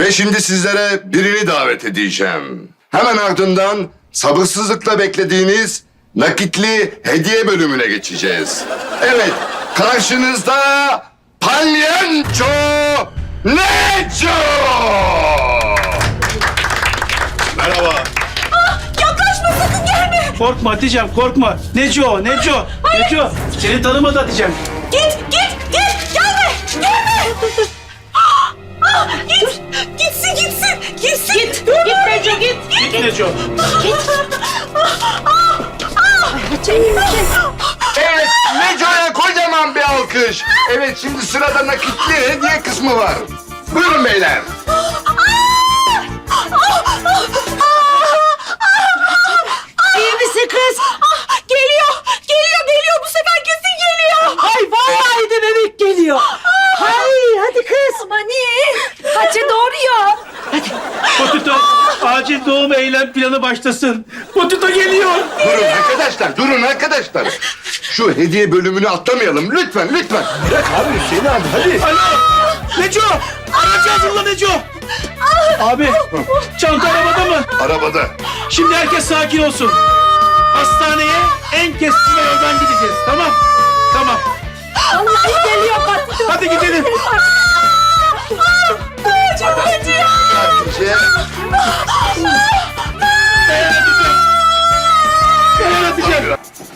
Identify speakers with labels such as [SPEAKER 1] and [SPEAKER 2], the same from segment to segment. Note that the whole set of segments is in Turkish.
[SPEAKER 1] Ve şimdi sizlere birini davet edeceğim. Hemen ardından sabırsızlıkla beklediğiniz nakitli hediye bölümüne geçeceğiz. Evet, karşınızda Palyanço Neco! Merhaba.
[SPEAKER 2] Yaklaşma, sakın gelme.
[SPEAKER 3] Korkma Hatice'm, korkma. Neco. Seni tanımadı Hatice'm.
[SPEAKER 2] Git. Gelme. Gitsin. Git Neco, git.
[SPEAKER 3] Git Neco.
[SPEAKER 1] Evet, Neco'ya kocaman bir alkış. Evet, şimdi sırada nakitli hediye kısmı var. Buyurun beyler.
[SPEAKER 2] İyi misin kız? Geliyor. Bu sefer kesin geliyor.
[SPEAKER 4] Ay vallahi de bebek geliyor. Hay hadi kız.
[SPEAKER 2] Aman iyi. Hacı doğuruyor.
[SPEAKER 3] Potito, acil doğum eylem planı başlasın. Potito geliyor.
[SPEAKER 1] Durun arkadaşlar. Şu hediye bölümünü atlamayalım. Lütfen.
[SPEAKER 3] Abi Hüseyin abi hadi. Alo. Neco. Aracı hazırla Neco. Abi çanta arabada mı?
[SPEAKER 1] Arabada.
[SPEAKER 3] Şimdi herkes sakin olsun. Hastaneye en keskin yoldan gideceğiz. Tamam.
[SPEAKER 2] Allah geliyor Patito.
[SPEAKER 3] Hadi gidelim.
[SPEAKER 2] Çok acıyor.
[SPEAKER 1] Hatice.
[SPEAKER 3] Dayan Hatice'm.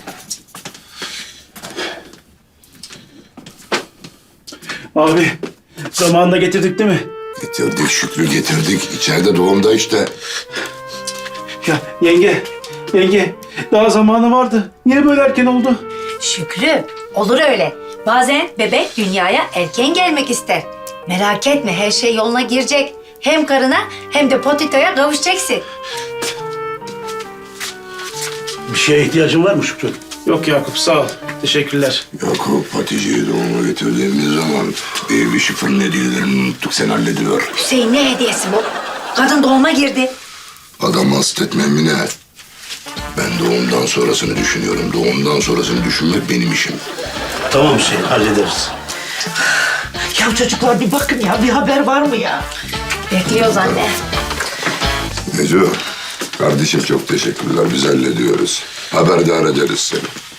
[SPEAKER 3] Abi zamanında getirdik değil mi?
[SPEAKER 1] Getirdik Şükrü getirdik. İçeride doğumda işte.
[SPEAKER 3] Ya yenge daha zamanı vardı. Niye böyle erken oldu?
[SPEAKER 5] Şükrü, olur öyle. Bazen bebek dünyaya erken gelmek ister. Merak etme, her şey yoluna girecek. Hem karına hem de Potito'ya kavuşacaksın.
[SPEAKER 6] Bir şeye ihtiyacın var mı Şükrü?
[SPEAKER 3] Yok Yakup sağ ol. Teşekkürler.
[SPEAKER 1] Yakup Hatice'yi doğuma getirdiğimiz zaman baby şifrenin hediyelerini unuttuk. Sen hallediver.
[SPEAKER 5] Hüseyin ne hediyesi bu? Kadın doğuma girdi.
[SPEAKER 1] Adam hastetme Emine. Ben doğumdan sonrasını düşünüyorum. Doğumdan sonrasını düşünmek benim işim.
[SPEAKER 6] Tamam Hüseyin, hallederiz.
[SPEAKER 4] Ya çocuklar bir bakın ya, bir haber var mı ya?
[SPEAKER 5] Bekliyoruz anne.
[SPEAKER 1] Neco, kardeşim çok teşekkürler. Biz hallediyoruz. Haberdar ederiz seni.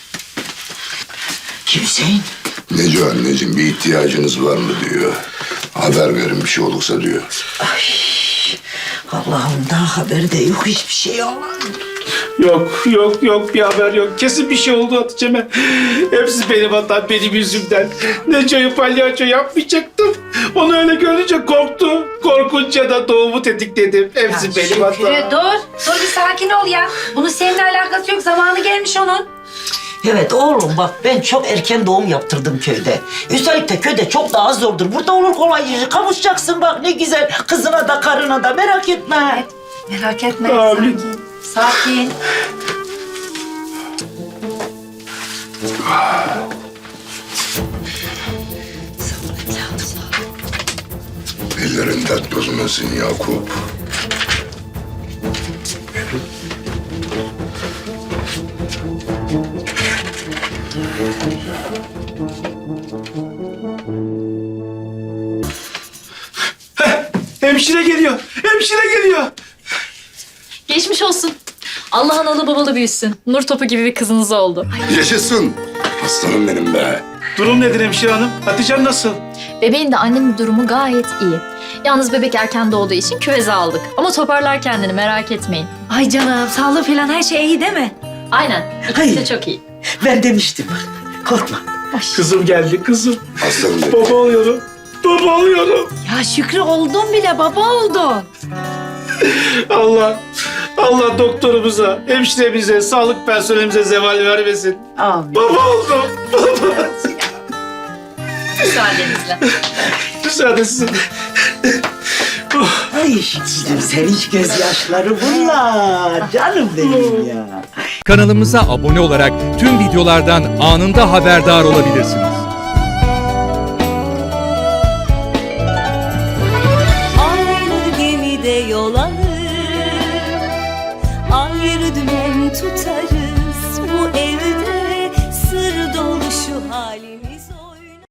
[SPEAKER 4] Kim Hüseyin?
[SPEAKER 1] Neco anneciğim bir ihtiyacınız var mı diyor. Haber verin bir şey olursa diyor.
[SPEAKER 4] Allah'ım daha haber de yok, hiçbir şey yok.
[SPEAKER 3] Yok bir haber yok. Kesin bir şey oldu Hatice'me. Hepsi benim hatam, benim yüzümden. Neco'yu palyaço yapmayacaktım. Onu öyle görünce korktu. Korkunca da doğumu tetikledim. Hepsi benim hatam.
[SPEAKER 5] Şükrü dur bir sakin ol ya. Bunun seninle alakası yok, zamanı gelmiş onun.
[SPEAKER 4] Evet oğlum bak, ben çok erken doğum yaptırdım köyde. Üstelik de köyde çok daha zordur. Burada olur kolayca kavuşacaksın bak ne güzel. Kızına da karına da, merak etme.
[SPEAKER 5] Merak etme,
[SPEAKER 3] Amin.
[SPEAKER 5] sakin.
[SPEAKER 1] Ellerin dert bozmasın Yakup.
[SPEAKER 3] Hemşire geliyor.
[SPEAKER 7] Geçmiş olsun. Allah analı babalı büyüsün. Nur topu gibi bir kızınız oldu.
[SPEAKER 1] Yaşasın. Aslanım benim be.
[SPEAKER 3] Durum nedir hemşire hanım? Hatice'm nasıl?
[SPEAKER 7] Bebeğin de annenin durumu gayet iyi. Yalnız bebek erken doğduğu için küveze aldık. Ama toparlar kendini, merak etmeyin.
[SPEAKER 5] Ay canım, sağlığı falan her şey iyi değil mi?
[SPEAKER 7] Aynen. İkisi de
[SPEAKER 4] Hayır.
[SPEAKER 7] çok iyi.
[SPEAKER 4] Ben demiştim, korkma.
[SPEAKER 3] Kızım geldi kızım.
[SPEAKER 1] Aslanım benim.
[SPEAKER 3] Baba oluyorum.
[SPEAKER 5] Ya Şükrü oldun bile, baba oldun.
[SPEAKER 3] Allah doktorumuza, hemşiremize, sağlık personelimize zeval vermesin.
[SPEAKER 4] Amin.
[SPEAKER 3] Baba oldum.
[SPEAKER 7] Müsaadenizle.
[SPEAKER 3] Müsaade sizin.
[SPEAKER 4] Ay Şükrü'cüğüm, sen hiç gözyaşları bunlar. Canım benim ya.
[SPEAKER 8] Kanalımıza abone olarak tüm videolardan anında haberdar olabilirsiniz.
[SPEAKER 9] Aynı gemide yol alır, ayrı dümen tutar.